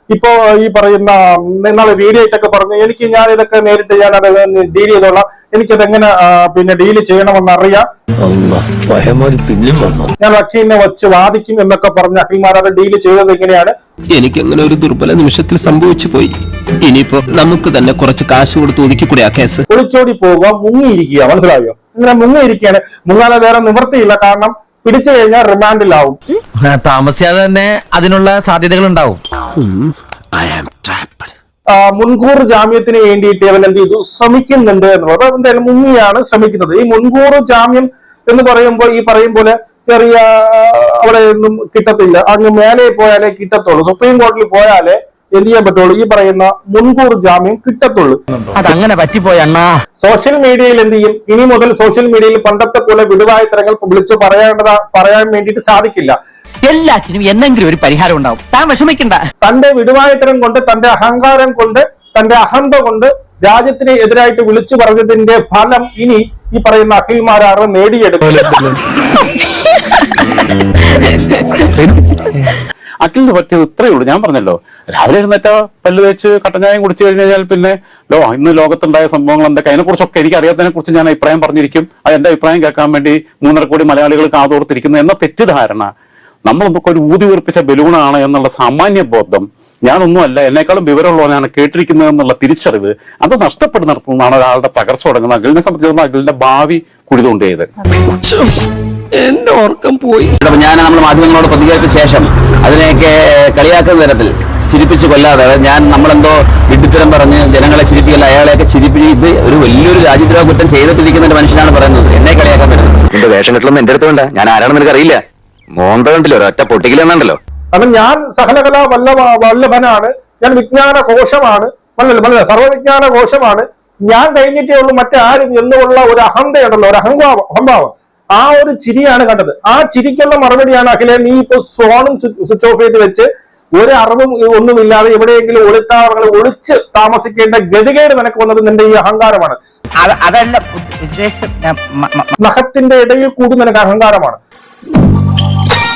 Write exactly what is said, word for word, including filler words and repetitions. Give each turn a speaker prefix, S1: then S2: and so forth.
S1: ഇപ്പോ ഈ പറയുന്ന നിങ്ങളെ വീഡിയോ ആയിട്ടൊക്കെ പറഞ്ഞു എനിക്ക് ഞാൻ ഇതൊക്കെ നേരിട്ട് ഞാൻ അത് ഡീൽ ചെയ്തോളാം, എനിക്കത് എങ്ങനെ പിന്നെ ഡീൽ ചെയ്യണമെന്ന് അറിയാം, ഞാൻ വക്കീലിനെ വെച്ച് വാദിക്കും എന്നൊക്കെ പറഞ്ഞ അഖിൽമാർ അത് ഡീൽ ചെയ്തത് എങ്ങനെയാണ്?
S2: എനിക്ക് അങ്ങനെ ഒരു ദുർബല നിമിഷത്തിൽ സംഭവിച്ചു പോയി. ഇനിയിപ്പോ നമുക്ക് തന്നെ കുറച്ച് കാശ് കൊടുത്ത് ഒതുക്കിക്കൂടെ ആ കേസ്?
S1: ഒളിച്ചോടി പോവുക, മുങ്ങിയിരിക്കുക, മനസ്സിലായോ? ഇങ്ങനെ മുങ്ങിയിരിക്കുകയാണ്. മുങ്ങാതെ വേറെ നിവൃത്തിയില്ല, കാരണം പിടിച്ചു കഴിഞ്ഞാൽ റിമാൻഡിലാവും.
S3: താമസിയാതെ തന്നെ അതിനുള്ള സാധ്യതകൾ ഉണ്ടാവും.
S1: മുൻകൂർ ജാമ്യത്തിന് വേണ്ടിയിട്ട് അവൻ എന്ത് ചെയ്തു, ശ്രമിക്കുന്നുണ്ട് എന്നുള്ളത്. എന്തായാലും മുങ്ങിയാണ് ശ്രമിക്കുന്നത്. ഈ മുൻകൂർ ജാമ്യം എന്ന് പറയുമ്പോൾ ഈ പറയും പോലെ ചെറിയ അവിടെ ഒന്നും കിട്ടത്തില്ല, അങ്ങ് മേലെ പോയാലേ കിട്ടത്തുള്ളൂ, സുപ്രീം കോടതിയിൽ പോയാലേ എന്ത് ചെയ്യാൻ പറ്റുള്ളൂ, ഈ പറയുന്ന മുൻകൂർ ജാമ്യം കിട്ടത്തുള്ളൂ.
S3: അതങ്ങനെ പറ്റിപ്പോയ അണ്ണാ.
S1: സോഷ്യൽ മീഡിയയിൽ എന്ത് ചെയ്യും, ഇനി മുതൽ സോഷ്യൽ മീഡിയയിൽ പണ്ടത്തെ പോലെ വിടുവായുത്തരങ്ങൾ വിളിച്ചു പറയേണ്ടതാ പറയാൻ വേണ്ടിയിട്ട് സാധിക്കില്ല.
S3: എല്ലാത്തിനും എന്തെങ്കിലും ഒരു പരിഹാരം ഉണ്ടാവും, താൻ വിഷമിക്കണ്ട.
S1: തന്റെ വിടുവായുത്തരം കൊണ്ട്, തന്റെ അഹങ്കാരം കൊണ്ട്, തന്റെ അഹന്ത കൊണ്ട് രാജ്യത്തിന് എതിരായിട്ട് വിളിച്ചു പറഞ്ഞതിന്റെ ഫലം ഇനി ഈ പറയുന്ന അഖിൽമാരാറ് നേടിയെടുക്കും.
S4: അഖിലിന് പറ്റിയത് ഇത്രയേ ഉള്ളൂ. ഞാൻ പറഞ്ഞല്ലോ, രാവിലെ എഴുന്നേറ്റ പല്ല് തേച്ച് കട്ടഞ്ഞായം കുടിച്ചു കഴിഞ്ഞാൽ പിന്നെ ലോ ഇന്ന് ലോകത്തുണ്ടായ സംഭവങ്ങൾ എന്തൊക്കെ അതിനെ കുറിച്ചൊക്കെ എനിക്ക് അറിയാത്തതിനെ കുറിച്ച് ഞാൻ അഭിപ്രായം പറഞ്ഞിരിക്കും. അത് എന്റെ അഭിപ്രായം കേൾക്കാൻ വേണ്ടി മൂന്നര കോടി മലയാളികൾ കാതോർത്തിരിക്കുന്നു എന്ന തെറ്റിദ്ധാരണ, നമ്മളൊക്കെ ഒരു ഊതി വീർപ്പിച്ച ബലൂണാണ് എന്നുള്ള സാമാന്യ ബോധം, ഞാനൊന്നുമല്ല എന്നെക്കാളും വിവരമുള്ളവനാണ് കേട്ടിരിക്കുന്നത് എന്നുള്ള തിരിച്ചറിവ്, അത് നഷ്ടപ്പെടുന്നിടത്തുനിന്നാണ് ഒരാളുടെ തകർച്ച തുടങ്ങുന്നത്. അഖിലിനെ സംബന്ധിച്ചിടത്തോളം അഖിലിന്റെ ഭാവി കുഴിതുകൊണ്ടേത്.
S2: എന്റെ ഓർക്കം പോയി.
S5: ഞാൻ നമ്മൾ മാധ്യമങ്ങളോട് പ്രതികരിച്ച ശേഷം അതിനെയൊക്കെ കളിയാക്കുന്ന തരത്തിൽ ചിരിപ്പിച്ച് കൊല്ലാതെ ഞാൻ നമ്മളെന്തോ വിഡ്ഢിത്തരം പറഞ്ഞ് ജനങ്ങളെ ചിരിപ്പിക്കല്ല, അയാളെയൊക്കെ ചിരിപ്പിച്ച് ഇത് ഒരു വലിയൊരു രാജ്യദ്രോഹ കുറ്റം ചെയ്തിട്ടിരിക്കുന്ന ഒരു മനുഷ്യനാണ് പറയുന്നത്. എന്നെ കളിയാക്കാൻ പറ്റുന്നത് എന്റെ വേഷം കെട്ടലൊന്നും എന്റെ അടുത്ത് വേണ്ട, ഞാൻ ആരാണെന്ന് എനിക്ക് അറിയില്ല. മോന്ത കണ്ടില്ലോ, ഒരൊറ്റ പൊട്ടിക്കലെന്നുണ്ടല്ലോ.
S1: കാരണം ഞാൻ സകലകലാ വല്ലഭ വല്ലഭനാണ്, ഞാൻ വിജ്ഞാന കോശമാണ്, മനസ്സിലായി, സർവ്വവിജ്ഞാന കോശമാണ്, ഞാൻ കഴിഞ്ഞിട്ടേ ഉള്ളൂ മറ്റാരും എന്നുള്ള ഒരു അഹന്തയുണ്ടല്ലോ, ഒരു അഹംഭാവം അഹംഭാവം ആ ഒരു ചിരിയാണ് കണ്ടത്. ആ ചിരിക്കുള്ള മറുപടിയാണ് അഖിലെ, നീ ഇപ്പൊ ഫോണും സ്വിച്ച് ഓഫ് ചെയ്ത് വെച്ച് ഒരു അറിവും ഒന്നുമില്ലാതെ എവിടെയെങ്കിലും ഒളിത്താവളങ്ങൾ ഒളിച്ച് താമസിക്കേണ്ട ഗതികേട് നിനക്ക് വന്നത് നിന്റെ ഈ അഹങ്കാരമാണ്.
S3: അതല്ല ഉദ്ദേശം,
S1: നഖത്തിന്റെ ഇടയിൽ കൂടി നിനക്ക് അഹങ്കാരമാണ്.